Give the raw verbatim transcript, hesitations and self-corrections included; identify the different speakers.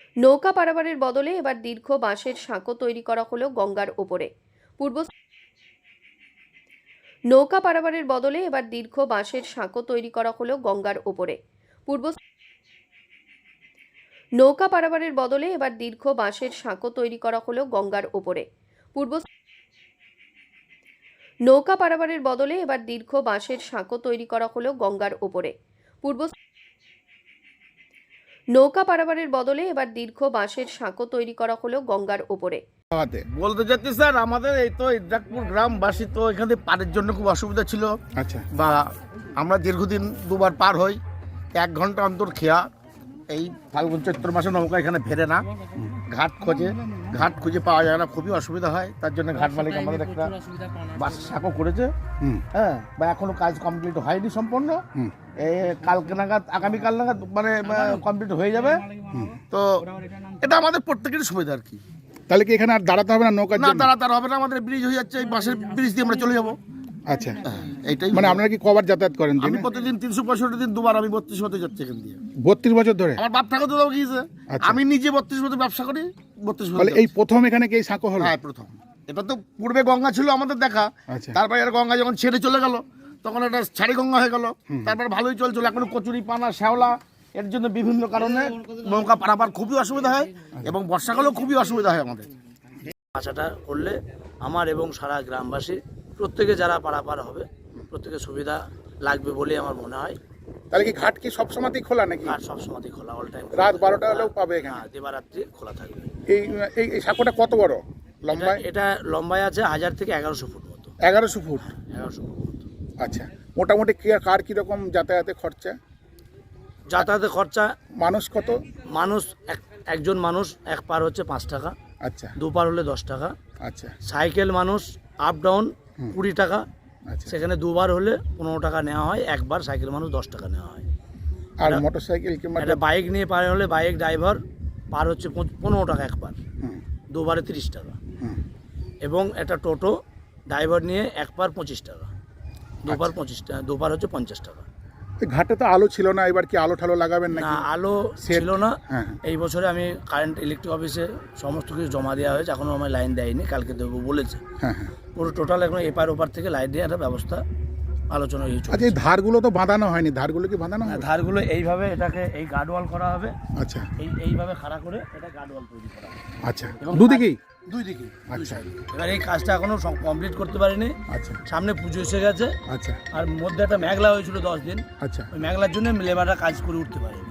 Speaker 1: নৌকা পারাপারের বদলে এবার দীর্ঘ বাঁশের সাঁকো তৈরি করা হলো গঙ্গার ওপরে। পূর্ব নৌকা পারাপারের বদলে এবার দীর্ঘ বাঁশের সাঁকো তৈরি করা হলো গঙ্গার ওপরে। পূর্ব নৌকা পারাপারের বদলে এবার দীর্ঘ বাঁশের সাঁকো তৈরি করা হলো গঙ্গার ওপরে। পূর্ব নৌকা পারাপারের বদলে এবার দীর্ঘ বাঁশের সাঁকো তৈরি করা হলো গঙ্গার ওপরে। পূর্ব নৌকা পারাপারের বদলে এবার দীর্ঘ বাঁশের সাঁকো তৈরি করা হলো গঙ্গার ওপরে।
Speaker 2: বলতে চাচ্ছি স্যার, আমাদের এই তো ইদ্রাকপুর গ্রামবাসী তো এখানে পারের জন্য খুব অসুবিধা ছিল।
Speaker 3: আচ্ছা,
Speaker 2: বা আমরা দীর্ঘদিন দুবার পার হই, এক ঘন্টা অন্তর খেয়া। এই ফাল্গুন চৈত্র মাসে নৌকা এখানে ফেরে না, ঘাট খোঁজে, ঘাট খুঁজে পাওয়া যায় না, খুবই অসুবিধা হয়। তার জন্য ঘাট মালিক আমাদের একটা বাস সাঁকো করেছে। হ্যাঁ, বা এখনো কাজ কমপ্লিট হয়নি সম্পূর্ণ। এই কালকে নাগাদ, আগামীকাল নাগাদ মানে কমপ্লিট হয়ে যাবে। তো এটা আমাদের প্রত্যেকেরই সুবিধা আর কি।
Speaker 3: তাহলে কি এখানে আর দাঁড়াতে হবে না নৌকার
Speaker 2: না,
Speaker 3: জন্য?
Speaker 2: দাঁড়াতে হবে না, আমাদের ব্রিজ হয়ে যাচ্ছে, এই বাসের ব্রিজ দিয়ে আমরা চলে যাবো।
Speaker 3: আচ্ছা,
Speaker 2: এইটাই
Speaker 3: মানে আপনারা কি কবার যাতায়াত করেন?
Speaker 2: আমি প্রতিদিন তিনশো পঁয়ষট্টি দিন দুবার আমি বত্রিশ হতে যাচ্ছি এখান দিয়ে।
Speaker 3: বত্রিশ বছর ধরে?
Speaker 2: আমার বাপ ঠাকুর দাদা গিয়েছে।
Speaker 3: আচ্ছা।
Speaker 2: আমি নিজে বত্রিশ বছর ব্যবসা করি, বত্রিশ
Speaker 3: তাহলে এই প্রথম এখানে কি এই সাঁকো হলো?
Speaker 2: হ্যাঁ, প্রথম। এটা তো পূর্বে গঙ্গা ছিল আমাদের দেখা।
Speaker 3: আচ্ছা।
Speaker 2: তারপরে আর গঙ্গা যখন ছেড়ে চলে গেল তখন এটা ছাড়ি গঙ্গা হয়ে গেল। তারপর ভালোই চলছিল, এখন কচুরি পানা শ্যাওলা, এর জন্য বিভিন্ন কারণে নৌকা পারাপার খুবই অসুবিধা হয় এবং বর্ষাকালেও খুবই অসুবিধা হয় আমাদের।
Speaker 4: আশাটা করলে আমার এবং সারা গ্রামবাসী প্রত্যেকে যারা পারাপার হবে প্রত্যেকের সুবিধা লাগবে বলে আমার মনে হয়।
Speaker 3: তাহলে কি ঘাট কি সবসময়ই খোলা নাকি?
Speaker 4: আর সবসময় খোলা, অল টাইম,
Speaker 3: রাত বারোটা হলেও পাবে এখানে?
Speaker 4: হ্যাঁ, দিবারাত্রি খোলা থাকবে।
Speaker 3: এই এই- এই সাঁকোটা কত বড় লম্বায়?
Speaker 4: এটা লম্বায় আছে হাজার থেকে এগারোশো ফুট মতো।
Speaker 3: এগারোশো ফুট।
Speaker 4: এগারোশো ফুট মতো।
Speaker 3: আচ্ছা, মোটামুটি কি কার কিরকম যাতায়াতে খরচা?
Speaker 4: যাতায়াতের খরচা
Speaker 3: মানুষ কত?
Speaker 4: মানুষ এক একজন মানুষ এক পার হচ্ছে পাঁচ টাকা,
Speaker 3: আচ্ছা
Speaker 4: দু পার হলে দশ টাকা।
Speaker 3: আচ্ছা
Speaker 4: সাইকেল মানুষ আপ ডাউন কুড়ি টাকা,
Speaker 3: আচ্ছা।
Speaker 4: সেখানে দুবার হলে পনেরো টাকা নেওয়া হয়, একবার সাইকেল মানুষ দশ টাকা নেওয়া হয়।
Speaker 3: আর মোটর সাইকেল কিংবা
Speaker 4: একটা বাইক নিয়ে পার হলে বাইক ড্রাইভার পার হচ্ছে পঁচ- পনেরো টাকা একবার,
Speaker 3: হুম,
Speaker 4: দুবারে তিরিশ টাকা।
Speaker 3: হুম।
Speaker 4: এবং একটা টোটো ড্রাইভার নিয়ে এক পার পঁচিশ টাকা, দুবার
Speaker 3: আচ্ছা।
Speaker 4: পঁচিশ টাকা, দুবার হচ্ছে পঞ্চাশ টাকা।
Speaker 3: এই ঘাটে তো আলো ছিল না, এবার কি আলো ঠালো লাগাবেন
Speaker 4: না,
Speaker 3: নাকি?
Speaker 4: আলো
Speaker 3: সেট-
Speaker 4: ছিল না।
Speaker 3: হ্যাঁ।
Speaker 4: এই বছরে আমি কারেন্ট ইলেকট্রিক অফিসে সমস্ত কিছু জমা দেওয়া হয়েছে, এখনও আমার লাইন দেয়নি, কালকে দেবো বলেছে।
Speaker 3: হ্যাঁ হ্যাঁ।
Speaker 4: পুরো টোটাল এখন এপার ওপার থেকে লাইন দেওয়ার একটা ব্যবস্থা আলোচনা হয়েছে।
Speaker 3: আচ্ছা, এই ধারগুলো তো বাঁধানো হয়নি, ধারগুলো কি বাঁধানো হবে?
Speaker 4: ধারগুলো এইভাবে এটাকে এই গার্ডওয়াল করা হবে,
Speaker 3: আচ্ছা
Speaker 4: এই এইভাবে খাড়া করে এটা গার্ডওয়াল তৈরি করা হবে
Speaker 3: আচ্ছা,
Speaker 4: এবং
Speaker 3: দুদিকেই?
Speaker 4: দুই দিকে।
Speaker 3: আচ্ছা
Speaker 4: এবার এই কাজটা এখনো কমপ্লিট করতে পারিনি,
Speaker 3: আচ্ছা
Speaker 4: সামনে পুজো এসে গেছে।
Speaker 3: আচ্ছা
Speaker 4: আর মধ্যে একটা মেঘলা হয়েছিল দশ দিন,
Speaker 3: আচ্ছা।
Speaker 4: ওই মেঘলার জন্য লেবাররা কাজ করে উঠতে পারে।